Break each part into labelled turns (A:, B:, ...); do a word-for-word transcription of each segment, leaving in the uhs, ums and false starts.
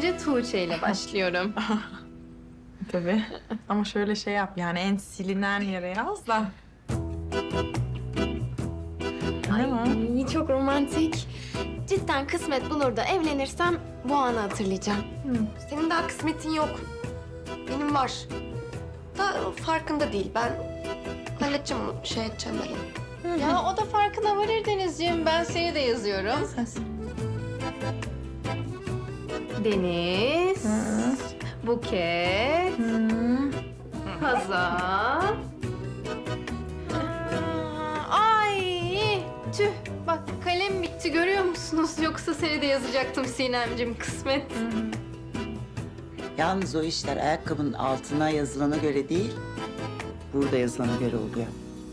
A: önce Tuğçe ile başlıyorum.
B: Tabii. Ama şöyle şey yap yani en silinen yere yaz da.
A: Ay, çok romantik. Cidden kısmet bulur da evlenirsem bu anı hatırlayacağım.
C: Senin daha kısmetin yok. Benim var. Da farkında değil. Ben halledeceğim onu, şey edeceğim ben onu.
A: Ya o da farkına varır Denizciğim. Ben seni de yazıyorum. Deniz, Buket, Hazal. Ay tüh. Bak kalem bitti görüyor musunuz? Yoksa seni de yazacaktım Sinemciğim kısmet.
D: Yalnız o işler ayakkabının altına yazılana göre değil, burada yazılana göre oluyor.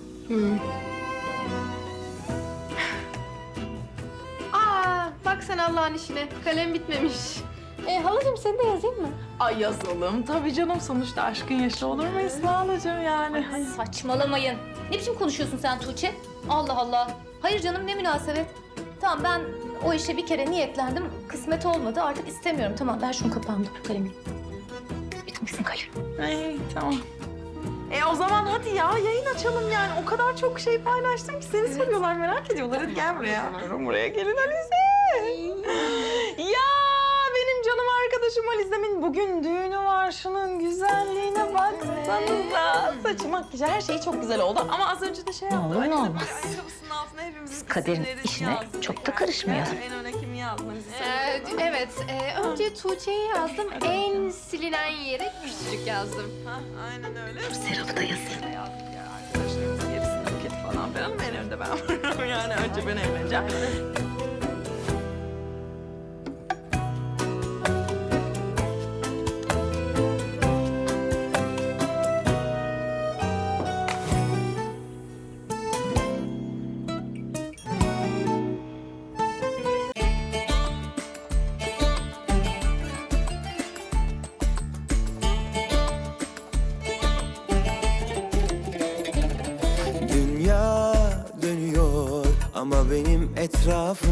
A: Aa bak sen Allah'ın işine. Kalem bitmemiş. E, halacığım seni de yazayım mı?
B: Ay yazalım. Tabii canım sonuçta aşkın yaşı olur mu Esma halacığım yani?
E: Saçmalamayın. Ne biçim konuşuyorsun sen Tuğçe? Allah Allah. Hayır canım ne münasebet. Tamam ben o işe bir kere niyetlendim. Kısmet olmadı artık istemiyorum. Tamam ver şunu kapağımda kalemi. Bitmişsin kalem.
B: Ay tamam. E o zaman hadi ya yayın açalım yani. O kadar çok şey paylaştım ki seni soruyorlar merak ediyorlar. Hadi gel buraya. Buraya gelin Alize. Ya benim canım arkadaşım Alize'min bugün düğünü var. Şunun güzelliğine baksanıza. Saçı, makyajı her şeyi çok güzel oldu. Ama az önce de şey yaptı.
E: olur, ne
B: Alize
E: olmaz.
B: böyle ayakkabısının altına hepimizin
E: Biz kaderin
B: isimlerini
E: işine
B: yazdı.
E: çok da karışmayalım.
B: En öne kimi yazdın?
A: Ee, evet. e, önce Tuğçe'yi yazdım. En silinen yere küçücük yazdım.
B: Ha, aynen öyle.
E: Serap'ı da yazayım.
B: Yazdık ya arkadaşlarımız gerisini buket falan filan ama en önde ben varım yani önce ben evleneceğim.
F: Dünya dönüyor ama benim etrafım